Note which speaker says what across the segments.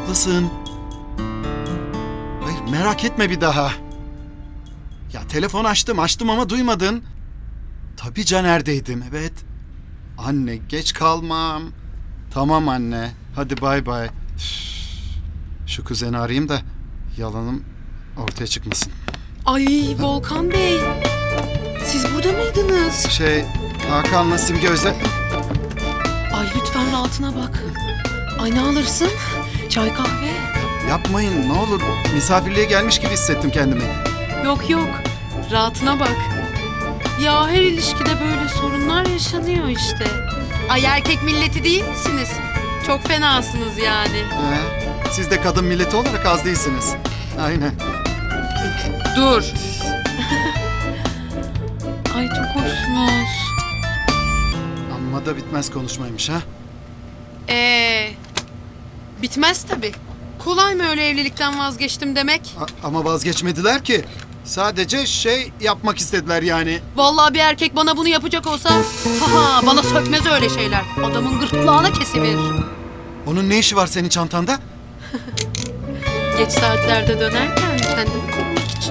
Speaker 1: haklısın. Hayır, merak etme bir daha. Ya telefon açtım ama duymadın. Tabii Caner'deydim, evet. Anne, geç kalmam. Tamam anne, hadi bay bay. Şu kuzeni arayayım da yalanım ortaya çıkmasın.
Speaker 2: Ay Volkan Bey, siz burada mıydınız?
Speaker 1: Hakan'la Simge özel...
Speaker 2: Ay lütfen rahatına bak. Ay ne alırsın? Çay kahve?
Speaker 1: Yapmayın ne olur, misafirliğe gelmiş gibi hissettim kendimi.
Speaker 2: Yok yok, rahatına bak. Ya her ilişkide böyle sorunlar yaşanıyor işte. Ay erkek milleti değil misiniz? Çok fenasınız yani.
Speaker 1: Siz de kadın milleti olarak az değilsiniz. Aynen.
Speaker 2: Dur. Ay çok hoşsunuz.
Speaker 1: Amma da bitmez konuşmaymış ha.
Speaker 2: Bitmez tabii. Kolay mı öyle evlilikten vazgeçtim demek?
Speaker 1: Ama vazgeçmediler ki. Sadece yapmak istediler yani.
Speaker 2: Vallahi bir erkek bana bunu yapacak olsa bana sökmez öyle şeyler. Adamın gırtlağına kesiverir.
Speaker 1: Onun ne işi var senin çantanda?
Speaker 2: Geç saatlerde dönerken kendimi korumak için.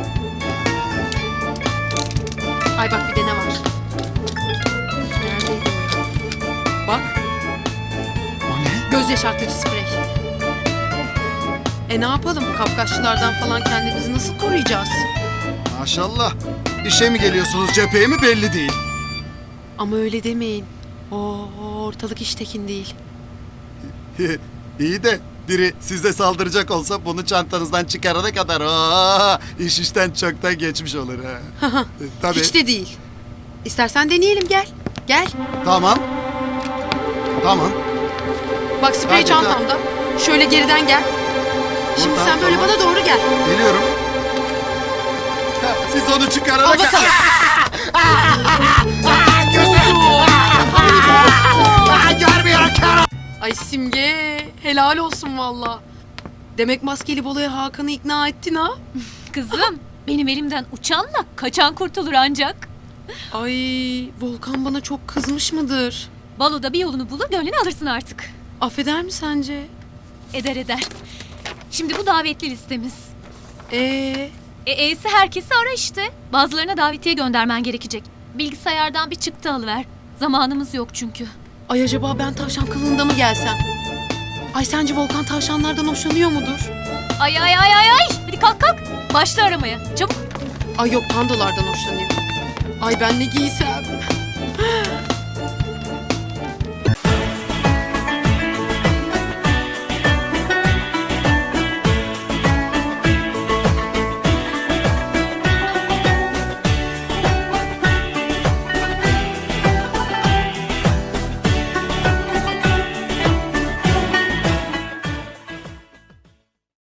Speaker 2: Ay bak bir de ne var? Neredeydi o? Bak.
Speaker 1: O ne?
Speaker 2: Göz yaşartıcı sprey. Ne yapalım? Kapkaççılardan falan kendimizi nasıl koruyacağız?
Speaker 1: Maşallah. İşe mi geliyorsunuz, cepheye mi belli değil.
Speaker 2: Ama öyle demeyin. Ortalık iştekin değil.
Speaker 1: İyi de biri size saldıracak olsa bunu çantanızdan çıkarana kadar iş işten çoktan geçmiş olur ha. Tabii.
Speaker 2: Hiç de değil. İstersen deneyelim gel. Gel.
Speaker 1: Tamam.
Speaker 2: Bak sprey
Speaker 1: Hadi,
Speaker 2: çantamda. Şöyle geriden gel. Şimdi
Speaker 1: Buradan,
Speaker 2: sen böyle
Speaker 1: tamam.
Speaker 2: bana doğru gel.
Speaker 1: Geliyorum. Siz onu çıkarana
Speaker 2: Al
Speaker 1: kadar...
Speaker 2: bakalım.
Speaker 1: Görmüyorum kör.
Speaker 2: Ay Simge, helal olsun valla. Demek maskeli baloya Hakan'ı ikna ettin ha?
Speaker 3: Kızım, benim elimden uçanla kaçan kurtulur ancak.
Speaker 2: Ay Volkan bana çok kızmış mıdır?
Speaker 3: Baloda bir yolunu bulur, gönlünü alırsın artık.
Speaker 2: Affeder mi sence?
Speaker 3: Eder. Şimdi bu davetli listemiz.
Speaker 2: Ee,
Speaker 3: Herkesi ara işte. Bazılarına davetiye göndermen gerekecek. Bilgisayardan bir çıktı alıver. Zamanımız yok çünkü.
Speaker 2: Ay acaba ben tavşan kılığında mı gelsem? Ay sence Volkan tavşanlardan hoşlanıyor mudur?
Speaker 3: Ay. Hadi kalk. Başla aramaya. Çabuk.
Speaker 2: Ay yok pandalardan hoşlanıyor. Ay ben ne giysem?